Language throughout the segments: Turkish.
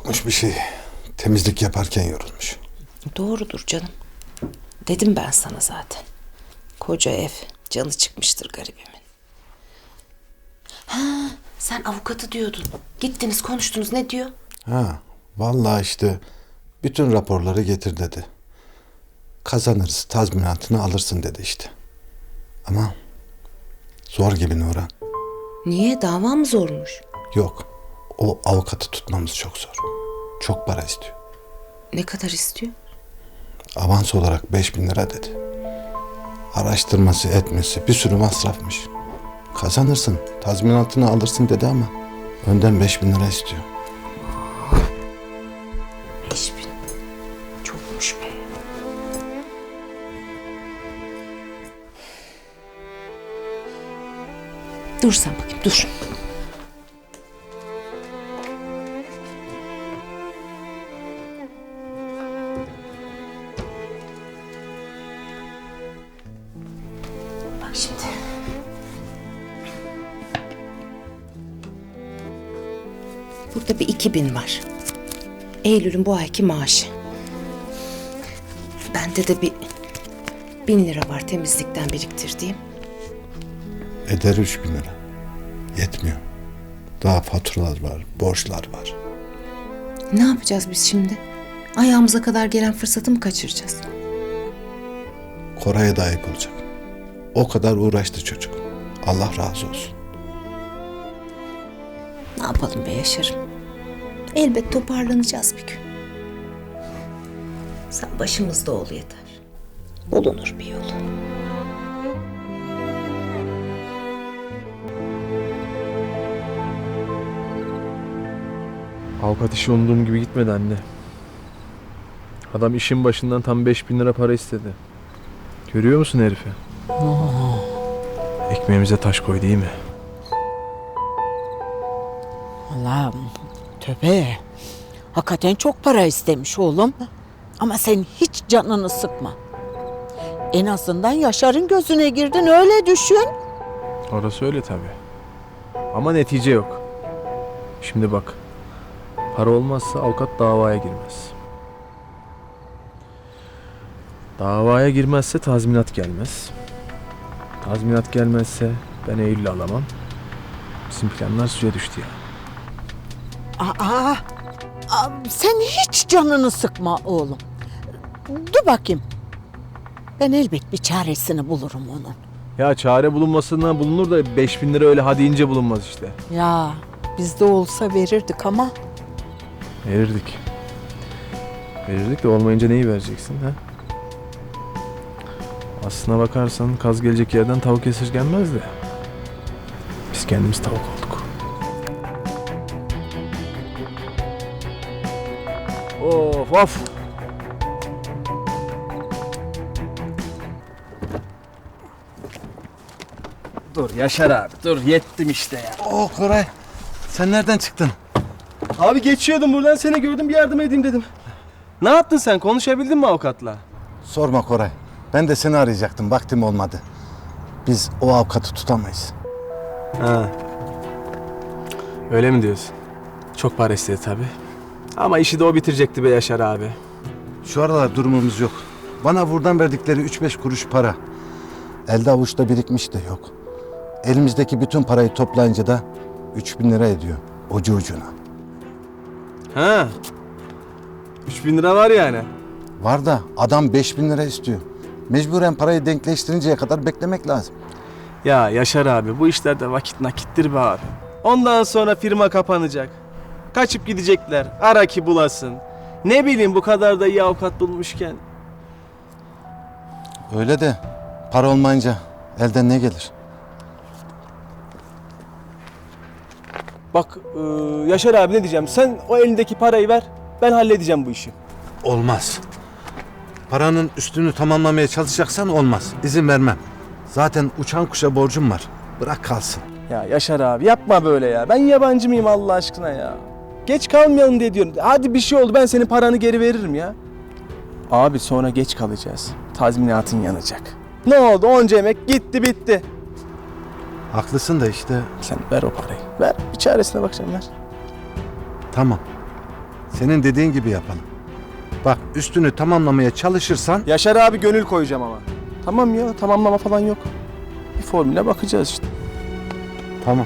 Yokmuş bir şey. Temizlik yaparken yorulmuş. Doğrudur canım. Dedim ben sana zaten. Koca ev, canı çıkmıştır garibimin. Ha, sen avukatı diyordun. Gittiniz konuştunuz, ne diyor? Ha, vallahi işte bütün raporları getir dedi. Kazanırız, tazminatını alırsın dedi işte. Ama zor gibi Nurhan. Niye, dava mı zormuş? Yok, o avukatı tutmamız çok zor. Çok para istiyor. Ne kadar istiyor? Avans olarak 5.000 lira dedi. Araştırması etmesi bir sürü masrafmış. Kazanırsın, tazminatını alırsın dedi ama önden 5.000 lira istiyor. 5.000. Çokmuş be. Dur sen bakayım, dur. Bak şimdi. Burada bir 2.000 var. Eylül'ün bu ayki maaşı. Bende de bir 1.000 lira var temizlikten biriktirdiğim. Eder 3.000 lira. Yetmiyor. Daha faturalar var, borçlar var. Ne yapacağız biz şimdi? Ayağımıza kadar gelen fırsatı mı kaçıracağız? Koray'a da ayıp olacak. O kadar uğraştı çocuk. Allah razı olsun. Ne yapalım be Yaşar'ım? Elbet toparlanacağız bir gün. Sen başımızda ol yeter. Bulunur bir yolu. Avukat işi umduğum gibi gitmedi anne. Adam işin başından tam 5.000 lira para istedi. Görüyor musun herifi? Ekmeğimize taş koy değil mi? Allah'ım tövbe. Hakikaten çok para istemiş oğlum. Ama sen hiç canını sıkma. En azından Yaşar'ın gözüne girdin, öyle düşün. Orası öyle tabii. Ama netice yok. Şimdi bak. Para olmazsa avukat davaya girmez. Davaya girmezse tazminat gelmez. Tazminat gelmezse ben Eylül'ü alamam. Bizim planlar suya düştü ya. Aa, sen hiç canını sıkma oğlum. Dur bakayım. Ben elbet bir çaresini bulurum onun. Ya çare bulunmasından bulunur da 5.000 lira öyle ha deyince bulunmaz işte. Ya bizde olsa verirdik ama. Verirdik. Verirdik de olmayınca neyi vereceksin ha? Aslına bakarsan kaz gelecek yerden tavuk esirgenmez de. Biz kendimiz tavuk olduk. Of of. Dur Yaşar abi, dur yettim işte ya. Oh Koray, sen nereden çıktın? Abi geçiyordum buradan, seni gördüm, bir yardım edeyim dedim. Ne yaptın sen, konuşabildin mi avukatla? Sorma Koray. Ben de seni arayacaktım. Vaktim olmadı. Biz o avukatı tutamayız. Ha. Öyle mi diyorsun? Çok para istedi tabii. Ama işi de o bitirecekti be Yaşar abi. Şu aralar durumumuz yok. Bana buradan verdikleri 3-5 kuruş para. Elde avuçta birikmiş de yok. Elimizdeki bütün parayı toplayınca da 3.000 lira ediyor. Ucu ucuna. Ha. 3.000 lira var yani. Var da adam 5.000 lira istiyor. Mecburen parayı denkleştirinceye kadar beklemek lazım. Ya Yaşar abi, bu işlerde vakit nakittir be abi. Ondan sonra firma kapanacak. Kaçıp gidecekler, ara ki bulasın. Ne bileyim, bu kadar da iyi avukat bulmuşken. Öyle de para olmayınca elden ne gelir? Bak Yaşar abi, ne diyeceğim, sen o elindeki parayı ver, ben halledeceğim bu işi. Olmaz. Paranın üstünü tamamlamaya çalışacaksan olmaz. İzin vermem. Zaten uçan kuşa borcum var. Bırak kalsın. Ya Yaşar abi, yapma böyle ya, ben yabancı mıyım Allah aşkına ya. Geç kalmayalım diye diyorum. Hadi bir şey oldu, ben senin paranı geri veririm ya. Abi sonra geç kalacağız. Tazminatın yanacak. Ne oldu? Onca emek gitti bitti. Haklısın da işte. Sen ver o parayı. Ver. Bir çaresine bakacağım, ver. Tamam. Senin dediğin gibi yapalım. Bak üstünü tamamlamaya çalışırsan Yaşar abi gönül koyacağım ama. Tamam ya, tamamlama falan yok. Bir formüle bakacağız işte. tamam.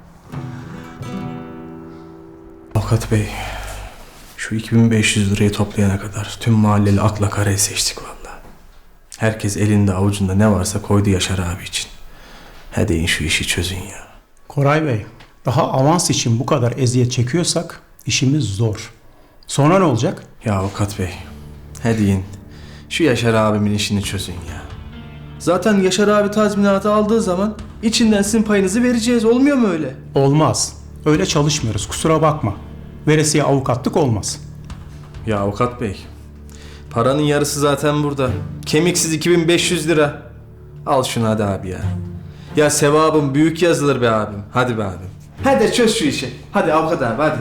Avukat Bey, şu 2500 lirayı toplayana kadar tüm mahalleli akla karayı seçtik valla. Herkes elinde avucunda ne varsa koydu Yaşar abi için. Hadi in şu işi çözün ya. Koray Bey, daha avans için bu kadar eziyet çekiyorsak işimiz zor. Sonra ne olacak? Ya Avukat Bey, hadi in. Şu Yaşar abimin işini çözün ya. Zaten Yaşar abi tazminatı aldığı zaman içinden sizin payınızı vereceğiz. Olmuyor mu öyle? Olmaz. Öyle çalışmıyoruz, kusura bakma. Veresiye avukatlık olmaz. Ya Avukat Bey, paranın yarısı zaten burada. Kemiksiz 2500 lira. Al şunu hadi abi ya. Ya sevabım büyük yazılır be abim. Hadi be abim. Hadi çöz şu işi. Hadi avukat abi hadi.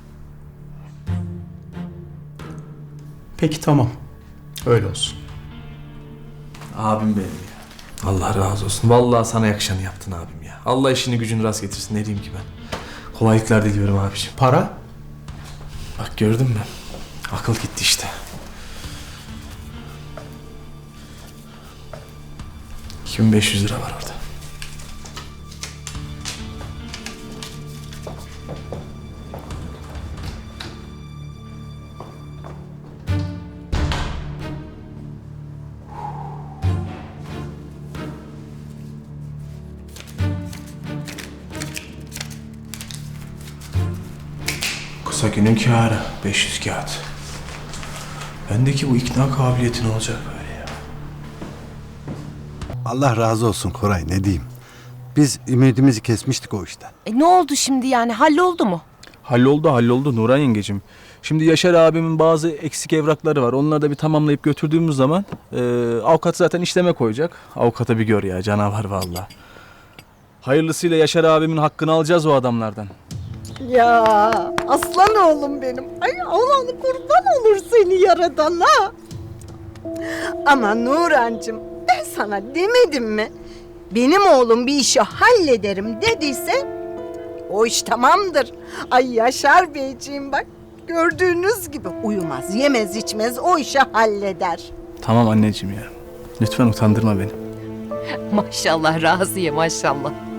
Peki tamam. Öyle olsun. Abim benim ya. Allah razı olsun. Vallahi sana yakışanı yaptın abim ya. Allah işini gücünü rast getirsin. Ne diyeyim ki ben. Kolaylıklar diliyorum abiciğim. Para? Bak gördün mü? Akıl gitti işte. 2500 lira var orada. Kısa günün kârı 500 kağıt. Bendeki bu ikna kabiliyeti ne olacak böyle ya? Allah razı olsun Koray, ne diyeyim. Biz ümidimizi kesmiştik o işten. Ne oldu şimdi yani? Halloldu mu? Halloldu Nuran yengecim. Şimdi Yaşar abimin bazı eksik evrakları var. Onları da bir tamamlayıp götürdüğümüz zaman avukat zaten işleme koyacak. Avukata bir gör ya, canavar vallahi. Hayırlısıyla Yaşar abimin hakkını alacağız o adamlardan. Ya aslan oğlum benim. Ay Allah'ın kurban olur seni yaradana. Ama Nurancığım, ben sana demedim mi? Benim oğlum bir işi hallederim dediyse o iş tamamdır. Ay Yaşar Beyciğim bak, gördüğünüz gibi uyumaz, yemez, içmez, o işi halleder. Tamam anneciğim ya. Lütfen utandırma beni. Maşallah Raziye maşallah.